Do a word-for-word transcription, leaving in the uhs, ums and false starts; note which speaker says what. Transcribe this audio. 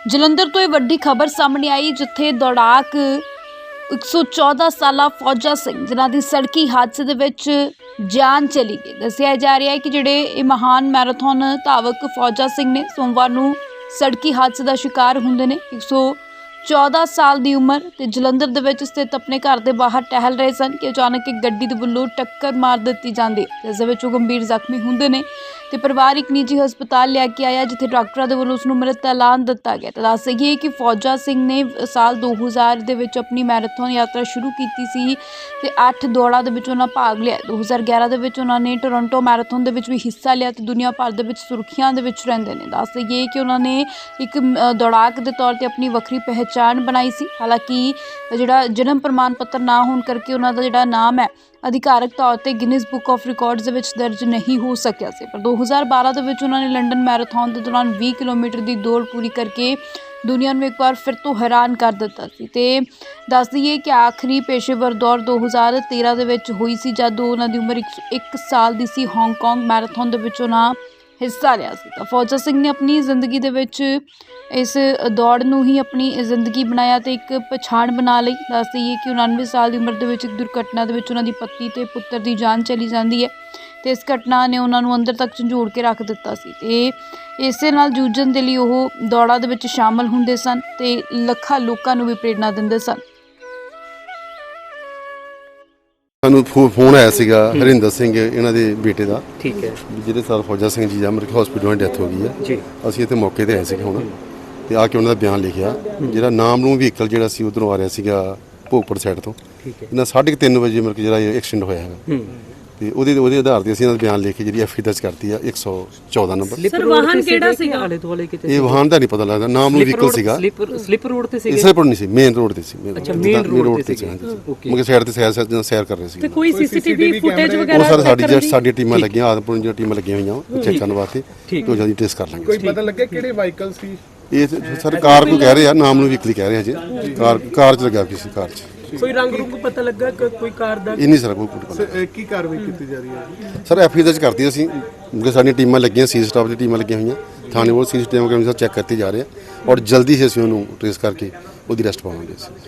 Speaker 1: ਜਲੰਧਰ ਤੋਂ ਇਹ ਵੱਡੀ ਖਬਰ ਸਾਹਮਣੇ ਆਈ ਜਿੱਥੇ ਦੌੜਾਕ ਇੱਕ ਸੌ ਚੌਦਾਂ ਸਾਲਾ ਫੌਜਾ ਸਿੰਘ ਜਿਨ੍ਹਾਂ ਦੀ ਸੜਕੀ ਹਾਦਸੇ ਦੇ ਵਿੱਚ ਜਾਨ ਚਲੀ ਗਈ। ਦੱਸਿਆ ਜਾ ਰਿਹਾ ਹੈ ਕਿ ਜਿਹੜੇ ਇਹ ਮਹਾਨ ਮੈਰਾਥਨ ਧਾਵਕ ਫੌਜਾ ਸਿੰਘ ਨੇ ਸੋਮਵਾਰ ਨੂੰ ਸੜਕੀ ਹਾਦਸੇ ਦਾ ਸ਼ਿਕਾਰ ਹੁੰਦੇ ਨੇ। ਇੱਕ ਸੌ ਚੌਦਾਂ ਸਾਲ ਦੀ ਉਮਰ ਤੇ ਜਲੰਧਰ ਦੇ ਵਿੱਚ ਸਥਿਤ ਆਪਣੇ ਘਰ ਦੇ ਬਾਹਰ ਟਹਿਲ ਰਹੇ ਸਨ ਕਿ ਅਚਾਨਕ ਇੱਕ ਗੱਡੀ ਦੇ ਵੱਲੋਂ ਟੱਕਰ ਮਾਰ ਦਿੱਤੀ ਜਾਂਦੀ ਹੈ, ਜਿਸ ਦੇ ਵਿੱਚ ਉਹ ਗੰਭੀਰ ਜ਼ਖਮੀ ਹੁੰਦੇ ਨੇ ਤੇ ਪਰਿਵਾਰ ਇੱਕ ਨਿੱਜੀ ਹਸਪਤਾਲ ਲੈ ਕੇ ਆਇਆ ਜਿੱਥੇ ਡਾਕਟਰਾਂ ਦੇ ਵੱਲੋਂ ਉਸ ਨੂੰ ਮ੍ਰਿਤ ਐਲਾਨ ਦਿੱਤਾ ਗਿਆ। ਤਾਂ ਦੱਸ ਦੇਈਏ ਕਿ ਫੌਜਾ ਸਿੰਘ ਨੇ ਸਾਲ ਦੋ ਹਜ਼ਾਰ ਦੇ ਵਿੱਚ ਆਪਣੀ ਮੈਰਾਥਨ ਯਾਤਰਾ ਸ਼ੁਰੂ ਕੀਤੀ ਸੀ ਤੇ ਅੱਠ ਦੌੜਾਂ ਦੇ ਵਿੱਚ ਉਹਨਾਂ ਭਾਗ ਲਿਆ। ਦੋ ਹਜ਼ਾਰ ਗਿਆਰਾਂ ਦੇ ਵਿੱਚ ਉਹਨਾਂ ਨੇ ਟੋਰਾਂਟੋ ਮੈਰਾਥਨ ਦੇ ਵਿੱਚ ਵੀ ਹਿੱਸਾ ਲਿਆ ਤੇ ਦੁਨੀਆ ਭਰ ਦੇ ਵਿੱਚ ਸੁਰਖੀਆਂ ਦੇ ਵਿੱਚ ਰਹਿੰਦੇ ਨੇ। ਦੱਸ ਦੇਈਏ ਕਿ ਉਹਨਾਂ ਨੇ ਇੱਕ ਦੌੜਾਕ ਦੇ ਤੌਰ ਤੇ ਆਪਣੀ ਵੱਖਰੀ ਪਹਿਚਾਣ ਬਣਾਈ ਸੀ। ਹਾਲਾਂਕਿ ਜਿਹੜਾ ਜਨਮ ਪ੍ਰਮਾਣ ਪੱਤਰ ਨਾ ਹੋਣ ਕਰਕੇ ਉਹਨਾਂ ਦਾ ਜਿਹੜਾ ਨਾਮ ਹੈ ਅਧਿਕਾਰਕ ਤੌਰ ਤੇ ਗਿਨੀਜ਼ ਬੁੱਕ ਆਫ ਰਿਕਾਰਡਸ ਦੇ ਵਿੱਚ ਦਰਜ ਨਹੀਂ ਹੋ ਸਕਿਆ ਸੀ। ਪਰ ਦੋ ਹਜ਼ਾਰ ਬਾਰਾਂ ਦੇ ਵਿੱਚ ਉਹਨਾਂ ਨੇ ਲੰਡਨ ਮੈਰਾਥਨ ਦੇ ਦੌਰਾਨ ਵੀਹ ਕਿਲੋਮੀਟਰ ਦੀ ਦੌੜ ਪੂਰੀ ਕਰਕੇ ਦੁਨੀਆ ਨੂੰ ਇੱਕ ਵਾਰ ਫਿਰ ਤੋਂ ਹੈਰਾਨ ਕਰ ਦਿੱਤਾ ਸੀ। ਤੇ ਦੱਸ ਦਈਏ ਕਿ ਆਖਰੀ ਪੇਸ਼ੇਵਰ ਦੌੜ ਦੋ ਹਜ਼ਾਰ ਤੇਰਾਂ ਦੇ ਵਿੱਚ ਹੋਈ ਸੀ ਜਦ ਉਹਨਾਂ ਦੀ ਉਮਰ ਇੱਕ ਸਾਲ ਦੀ ਸੀ। ਹਾਂਗਕਾਂਗ ਮੈਰਾਥਨ ਦੇ ਵਿੱਚ ਉਹਨਾਂ ਹਿੱਸਾ ਲਿਆ ਸੀ। ਤਾਂ ਫੌਜਾ ਸਿੰਘ ਨੇ ਆਪਣੀ ਜ਼ਿੰਦਗੀ ਦੇ ਵਿੱਚ ਇਸ ਦੌੜ ਨੂੰ ਹੀ ਆਪਣੀ ਜ਼ਿੰਦਗੀ ਬਣਾਇਆ ਤੇ ਇੱਕ ਪਛਾਣ ਬਣਾ ਲਈ। ਦੱਸ ਦਈਏ ਕਿ ਉਣਾਨਵੇਂ ਸਾਲ ਦੀ ਉਮਰ ਦੇ ਵਿੱਚ ਇੱਕ ਦੁਰਘਟਨਾ ਦੇ ਵਿੱਚ ਉਹਨਾਂ ਦੀ ਪਤਨੀ ਤੇ ਪੁੱਤਰ ਦੀ ਜਾਨ ਚਲੀ ਜਾਂਦੀ ਹੈ ਤੇ ਇਸ ਘਟਨਾ ਨੇ ਉਹਨਾਂ ਨੂੰ ਅੰਦਰ ਤੱਕ ਝੰਜੋੜ ਕੇ ਰੱਖ ਦਿੱਤਾ ਸੀ ਤੇ ਇਸੇ ਨਾਲ ਜੂਝਣ ਦੇ ਲਈ ਉਹ ਦੌੜਾਂ ਦੇ ਵਿੱਚ ਸ਼ਾਮਲ ਹੁੰਦੇ ਸਨ ਤੇ ਲੱਖਾਂ ਲੋਕਾਂ ਨੂੰ ਵੀ ਪ੍ਰੇਰਨਾ ਦਿੰਦੇ ਸਨ।
Speaker 2: ਸਾਨੂੰ ਫੋਨ ਆਇਆ ਸੀਗਾ ਹਰਿੰਦਰ ਸਿੰਘ ਇਹਨਾਂ ਦੇ ਬੇਟੇ ਦਾ,
Speaker 3: ਠੀਕ ਹੈ,
Speaker 2: ਜਿਹੜੇ ਸਾਲ ਫੌਜਾ ਸਿੰਘ ਜੀ ਆ ਮੇਰੇ ਹਸਪੀਟਲ ਡੈਥ ਹੋ ਗਈ ਹੈ
Speaker 3: ਜੀ।
Speaker 2: ਅਸੀਂ ਇੱਥੇ ਮੌਕੇ ਤੇ ਆਏ ਸੀਗੇ ਹੁਣ ਤੇ ਆ ਕੇ ਉਹਨਾਂ ਦਾ ਬਿਆਨ ਲਿਖਿਆ। ਜਿਹੜਾ ਨਾਮ ਨੂੰ ਵਹੀਕਲ ਜਿਹੜਾ ਸੀ ਉਧਰੋਂ ਆ ਰਿਹਾ ਸੀਗਾ ਭੋਗਪੁਰ ਸਾਈਡ ਤੋਂ,
Speaker 3: ਠੀਕ ਹੈ,
Speaker 2: ਇਹਨਾਂ ਸਾਢੇ ਤਿੰਨ ਵਜੇ ਮੇਰੇ ਜਿਹੜਾ ਐਕਸੀਡੈਂਟ ਹੋਇਆ ਹੈਗਾ ਤੇ ਉਹਦੇ ਉਹਦੇ ਆਧਾਰ ਤੇ ਅਸੀਂ ਇਹਨਾਂ ਦਾ ਬਿਆਨ ਲਿਖ ਕੇ ਜਿਹੜੀ ਐਫ ਆਈ ਦਰਜ ਕਰਤੀ ਆ ਇੱਕ ਸੌ ਚੌਦਾਂ ਨੰਬਰ।
Speaker 3: ਸਰ ਵਾਹਨ ਕਿਹੜਾ ਸੀਗਾ? ਆਲੇ ਦੁਆਲੇ ਕਿਤੇ
Speaker 2: ਇਹ ਵਾਹਨ ਦਾ ਨਹੀਂ ਪਤਾ ਲੱਗਦਾ, ਨਾਮ ਨੂੰ ਵਹੀਕਲ ਸੀਗਾ।
Speaker 3: ਸਲਿੱਪ ਰੋਡ ਤੇ ਸੀ?
Speaker 2: ਇਸੇ ਪਰ ਨਹੀਂ ਸੀ, ਮੇਨ ਰੋਡ ਤੇ ਸੀ।
Speaker 3: ਅੱਛਾ, ਮੇਨ ਰੋਡ ਤੇ ਸੀ।
Speaker 2: ਮਗੇ ਸਾਈਡ ਤੇ ਸੈਰ ਸੈਰ ਕਰ ਰਹੇ ਸੀ।
Speaker 3: ਤੇ ਕੋਈ ਸੀਸੀਟੀਵੀ ਫੁਟੇਜ ਵਗੈਰਾ
Speaker 2: ਉਹ ਸਰ ਸਾਡੀ ਜਿਹੜੀ ਸਾਡੀ ਟੀਮਾਂ ਲੱਗੀਆਂ ਆਦਮਪੁਰ ਦੀਆਂ ਟੀਮਾਂ ਲੱਗੀਆਂ ਹੋਈਆਂ ਚੈੱਕ ਕਰਨ ਵਾਸਤੇ, ਤੋਂ ਜਲਦੀ ਟੈਸਟ ਕਰ ਲਾਂਗੇ।
Speaker 4: ਕੋਈ ਪਤਾ ਲੱਗਿਆ ਕਿਹੜੇ ਵਾਹੀਕਲ ਸੀ
Speaker 2: ਇਹ? ਸਰ ਕਾਰ ਕੋਈ ਕਹਿ ਰਹੇ ਆ, ਨਾਮ ਨੂੰ ਵਹੀਕਲ ਕਹਿ ਰਹੇ ਆ ਜੀ। ਕਾਰ ਕਾਰ ਚ ਲੱਗਾ ਕਿਸੇ ਕਾਰ ਚ।
Speaker 3: ਕੋਈ ਰੰਗ ਰੁੰਗ ਪਤਾ ਲੱਗਾ ਕੋਈ ਕਾਰ ਦਾ?
Speaker 2: ਇਹ ਨਹੀਂ ਸਰ ਕੋਈ ਪਤਾ।
Speaker 4: ਕੀ ਕਾਰਵਾਈ ਕੀਤੀ ਜਾ ਰਹੀ ਹੈ
Speaker 2: ਸਰ ਐਫ ਆਈ ਦਰਜ ਕਰਤੀ ਅਸੀਂ ਕਿਉਂਕਿ ਸਾਡੀਆਂ ਟੀਮਾਂ ਲੱਗੀਆਂ, ਸੀ ਸਟਾਫ ਦੀ ਟੀਮਾਂ ਲੱਗੀਆਂ ਹੋਈਆਂ ਥਾਣੇ ਵੱਲ, ਸੀ ਸਟੀਵ ਕੈਮਰੇ ਚੈੱਕ ਕਰਤੇ ਜਾ ਰਹੇ ਆ ਔਰ ਜਲਦੀ ਹੀ ਅਸੀਂ ਉਹਨੂੰ ਟ੍ਰੇਸ ਕਰਕੇ ਉਹਦੀ ਅਰੈਸਟ ਪਾਵਾਂਗੇ ਅਸੀਂ।